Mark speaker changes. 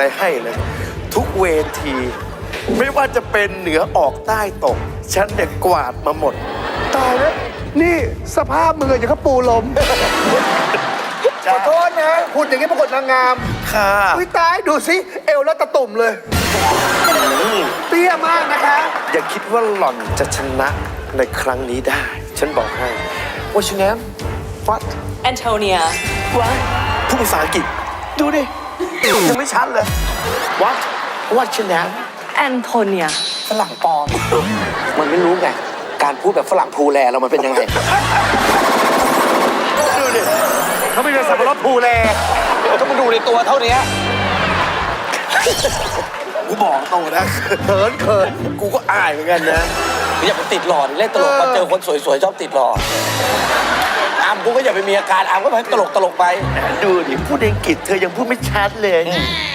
Speaker 1: อะไรให้เลยทุกเวที ไม่ว่าจะเป็นเหนือออกใต้ตก ฉันเนี่ยกวาดมาหมด
Speaker 2: ตายแล้วนี่สภาพมึงอะอย่างกับปูลมขอโทษนะหุ่นอย่างนี้ประกวดนางงาม
Speaker 1: ค่ะ
Speaker 2: อุ้ยตายดูสิเอวแล้วตะตุ่มเลย เตี้ยมากนะคะ
Speaker 1: อย่าคิดว่าหล่อนจะชนะในครั้งนี้ได้ ฉันบอกให้ What's your name What
Speaker 3: Antonia.
Speaker 1: ว้ายพูดภาษาอังกฤษดูดิ ยังไม่ชัดเลย What What's your name
Speaker 3: Antonia.
Speaker 4: ฝรั่งปลอม มันไม่รู้ไง การพูดแบบฝรั่งพูแลเรามันเป็นยังไง
Speaker 1: ดูดิ
Speaker 2: เขาไม่เป็นสับปะรดภูแล
Speaker 4: ก็มาดูในตัวเท่านี้
Speaker 1: กูบอกตรงนะ
Speaker 2: เขินเขิน
Speaker 1: กูก็อายเหมือนกันนะ
Speaker 4: อย่าไปติดหลอดเล่นตลกมาเจอคนสวยๆชอบติดหลอดอามกูก็อย่าไปมีอาการอามก็ไปตลกไป
Speaker 1: ดูดิ พูดอังกฤษเธอยังพูดไม่ชัดเลย